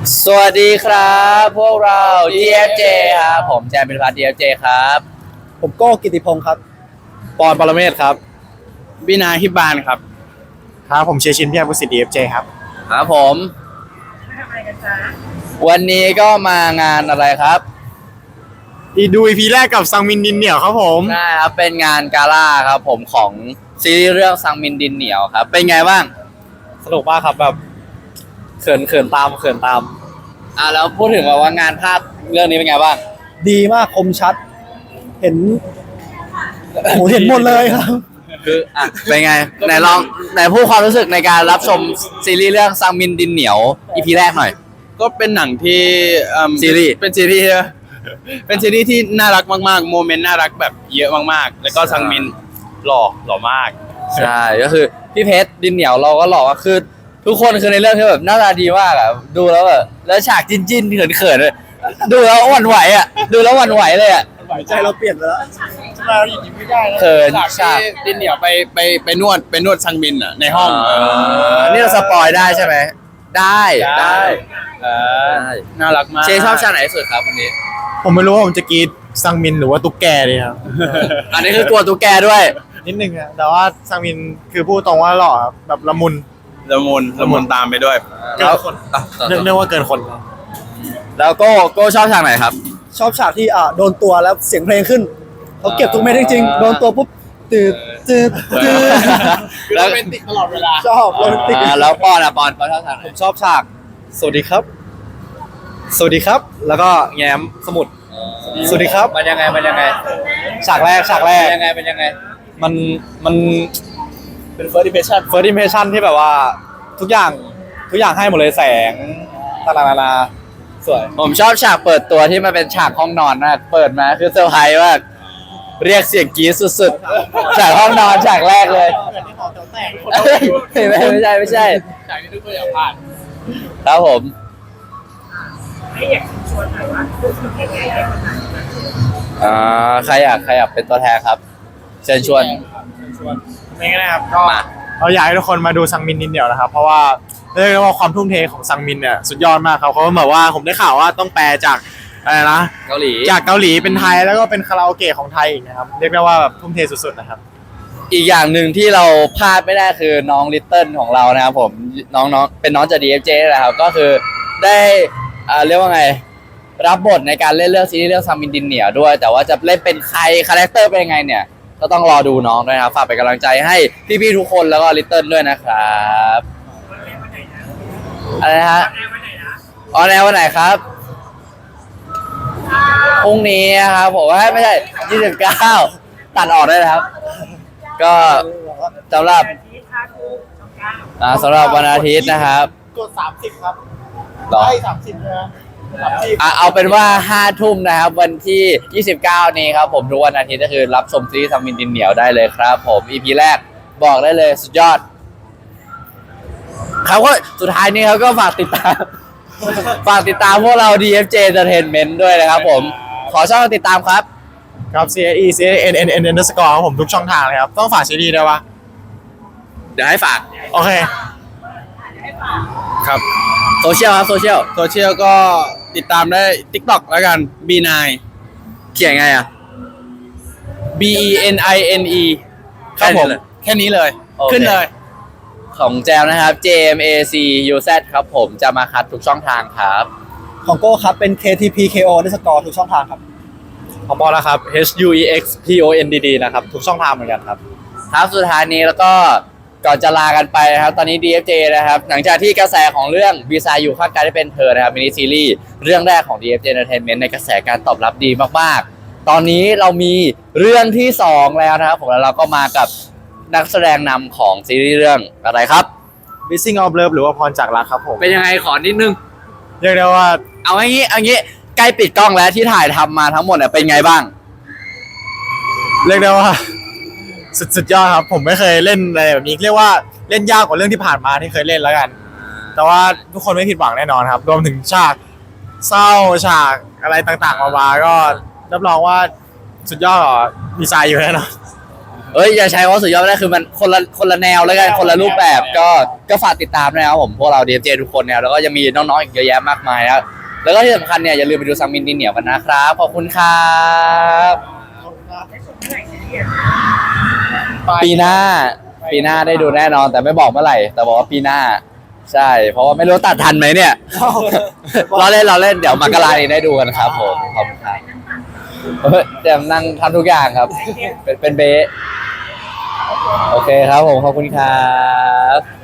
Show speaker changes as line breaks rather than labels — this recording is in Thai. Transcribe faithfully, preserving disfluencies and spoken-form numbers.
สวัสดีครับพวกเรา ดี เอฟ เจ ครับผมแจมเป็นพัฒน์ ดี เอฟ เจ ครับ
ผมโก้กิติพงศ์ครับ
ปอนปรเมศครับวินาฮิบานครับครับผมเชียร์ชินพี่อาบุสิทธิ์ ดี เอฟ เจ ครับ
ครับผมวันนี้ก็มางานอะไรครับ
อีดู อี พี แรกกับซังมินดินเหนียวครับผม
ใช่ครับเป็นงานกาล่าครับผมของซีรีส์เรื่องซังมินดินเหนียวครับเป็นไงบ้าง
สนุกมากครับแบบเขินเขินตามเขินตาม
อ่าแล้วพูดถึงว่างานภาพเรื่องนี้เป็นไงบ้าง
ดีมากคมชัด เห็นโอ้โหเห็นหมดเลยครับ
คืออ่ะเป็นไงไหนลองไหนพูดความรู้สึกในการรับชมซีรีส์เรื่องซังมินดินเหนียว อี พี แรกหน่อย
ก็เป็นหนังที่
ซีรีส์
เป็นซีรีส์เป็นซีรีส์ที่น่ารักมากๆโมเมนต์น่ารักแบบเยอะมากๆแล้วก็ซังมินหล่อหล่อมาก
ใช่ก็คือพี่เพชรดินเหนียวเราก็หล่อก็คือทุกคนคือในเรื่องที่แบบหน้าตาดีมากอ่ะดูแล้วแบบแล้วฉากจิ้นจิ้นเขินเขินเลยดูแล้วหวั่นไหวอ่ะดูแล้วหวั่นไหวเลยอ่ะ
ไหวใจเราเปลี่ยนไปแล้ว
เราหยิบไม่ได้
เขิน
ฉากที่ดินเหนียวไปไปไปนวดไปนวดซังมินอ่ะในห้อง
นี่เราสปอยได้ใช่ไหมได้ได้
น่ารักมาก
เชชอบฉากไหนสุดครับวันนี้
ผมไม่รู้ว่าผมจะกรีดซังมินหรือว่าตุ๊กแกดีครับ
อันนี้คือกลัวตุ๊กแกด้วย
นิดนึงอะแต่ว่าซังมินคือพูดตรงว่าหล่อแบบละมุนละมุนละมุนตามไปด้วยเกินคนเนื่องว่าเกินคน
แล้วก็โก้ชอบฉากไหนครับ
ชอบฉากที่อ่ะโดนตัวแล้วเสียงเพลงขึ้นเขาเก็บทุกเม็ดจริงๆโดนตัวปุ๊บตื่นตื่นตื่น
โรแมนติกตลอดเวลา
ชอบโรแมนติก
แล้วปอนอะปอนเขาชอบฉากไหน
ผมชอบฉากสวัสดีครับสวัสดีครับแล้วก็แง้มสมุดสวัสดีครับ
มันยังไงมันยังไง
ฉากแรกฉากแรก
ยังไงเป็นยังไง
มันมันเป็น first impression first impression ที่แบบว่าทุกอย่างทุกอย่างให้หมดเลยแสงต่างๆนานาสวย
ผมชอบฉากเปิดตัวที่มันเป็นฉากห้องนอนมากเปิดมาคือเซอร์ไพรส์มากเรียกเสียงกรี๊ดสุดๆฉากห้องนอนฉากแรกเลยไม่ไม่ใช่ไม่ใช่
ฉากที่ทุกคนอยากผ่าน
ครับผม
ไม่อยากชวนหน่อยว่าคือยังไงให้คนนั้น
อ่าใครอยากใครอยากเป็นตัวแทนครับเชิญชวน
ชวนไม่ง่ายนะครับก็เราอยากให้ทุกคนมาดูซังมินดินเหนียวนะครับเพราะว่าเรียกได้ว่าความทุ่มเทของซังมินเนี่ยสุดยอดมากครับเขาแบบว่าผมได้ข่าวว่าต้องแปลจากอะไรนะ
เกาหลี
จากเกาหลีเป็นไทยแล้วก็เป็นคาราโอเกะของไทยอีกนะครับเรียกได้ว่าแบบทุ่มเทสุดๆนะครับ
อีกอย่างหนึ่งที่เราพลาดไม่ได้คือน้องลิตเติ้ลของเรานะครับผมน้องๆเป็นน้องจาก ดี เอฟ เจ นะครับก็คือได้อ่าเรียกว่าไงรับบทในการเล่นเรื่องซีรีส์เรื่องซังมินดินเหนียวด้วยแต่ว่าจะเล่นเป็นใครคาแรคเตอร์เป็นยังไงเนี่ยก็ต้องรอดูน้องด้วยนะครับฝากเป็นกำลังใจให้พี่ๆทุกคนแล้วก็ลิตเติ้ลด้วยนะครับอะไรนะฮะออนแอร์วันไหนครับพรุ่งนี้ครับผมว่าไม่ใช่ยี่สิบเก้าตัดออกได้นะครับก็สำหรับอ่าสำหรับวันอาทิตย์นะครับ
กดสามสิบครับ
ได้
สามสิบนะ
เอาเป็นว่าห้าทุ่มนะครับวันที่ยี่สิบเก้านี้ครับผมทุกวันอาทิตย์ก็คือรับชมซีรีส์ซังมินดินเหนียวได้เลยครับผม อี พี แรกบอกได้เลยสุดยอดเขาก็สุดท้ายนี้เขาก็ฝากติดตามฝากติดตามพวกเรา ดี เอฟ เจ Entertainment ด้วยนะครับผมขอช่องติดตามครับ
ครับ C A E C A N N N underscore ครับผมทุกช่องทางเลยครับต้องฝากซีรีส์ด้วยวะ
เดี๋ยวให้ฝาก
โอเคครับ
โซเชียลครับโซเชียล
โซเชียลก็ติดตามได้ TikTok แล้วกัน บี ไนน์
เขียนไงอ่ะ
B E N I N E ครับผมแค่นี้เลยขึ้นเลย
ของแจมนะครับ J M A C U Z ครับผมจะมาคัดทุกช่องทางครับ
ของโก้ครับเป็น K T P K O ได้สกอร์ทุกช่องทางครับ
ของบอลนะครับ H U E X P O N D D นะครับทุกช่องทางเหมือนกันครับ
ครับสุดท้ายนี้แล้วก็ก่อนจะลากันไปนะครับตอนนี้ ดี เอฟ เจ นะครับหลังจากที่กระแสของเรื่องวีซาอยู่ข้างกายได้เป็นเธอนะครับมินิซีรีส์เรื่องแรกของ ดี เอฟ เจ Entertainment ในกระแสการตอบรับดีมากๆตอนนี้เรามีเรื่องที่สองแล้วนะครับผมแล้วเราก็มากับนักแสดงนำของซีรีส์เรื่องอะไรครับ
Missing of Love หรือว่าพรจากรักครับผม
เป็นยังไงขอนิดนึง
เรียกได้ว่า
เอาอย่างงี้เอาอย่างงี้ใกล้ปิดกล้องแล้วที่ถ่ายทำมาทั้งหมดเนี่ยเป็นไงบ้าง
เรียกได้ว่าสุดสุดยอดครับผมไม่เคยเล่นอะไรแบบนี้เรียกว่าเล่นยากกว่าเรื่องที่ผ่านมาที่เคยเล่นแล้วกันแต่ว่าทุกคนไม่ผิดหวังแน่นอนครับรวมถึงฉากเศร้าฉากอะไรต่างๆมาๆก็รับรองว่าสุดยอดหรอดีไซน์อยู่แน่นอน
เอ้ยอย่าใช้คำว่าสุดยอดไม่ได้คือมันคนละคนละแนวแล้วกันคนละรูปแบบก็ก็ฝากติดตามนะครับผมพวกเรา ดี เอฟ เจ ทุกคนเนี่ยแล้วก็ยังมีน้องๆอีกเยอะแยะมากมายแล้วแล้วก็ที่สำคัญเนี่ยอย่าลืมไปดูซังมินดินเหนียวกันนะครับขอบคุณครับ
ได้ชมเมื่อไหร่เนี่ย
ปีหน้าปีหน้าได้ดูแน่นอนแต่ไม่บอกเมื่อไหร่ แต่บอกว่าปีหน้า ใช่ เพราะว่าไม่รู้ตัดทันไหมเนี่ย เราเล่นเราเล่นเดี๋ยวมกรานี้ได้ดูกันครับผมขอบคุณครับเฮ้ยเดี๋ยวนั่งทำทุกอย่างครับ เป็นเป็นเบสโอเคครับผมขอบคุณครับ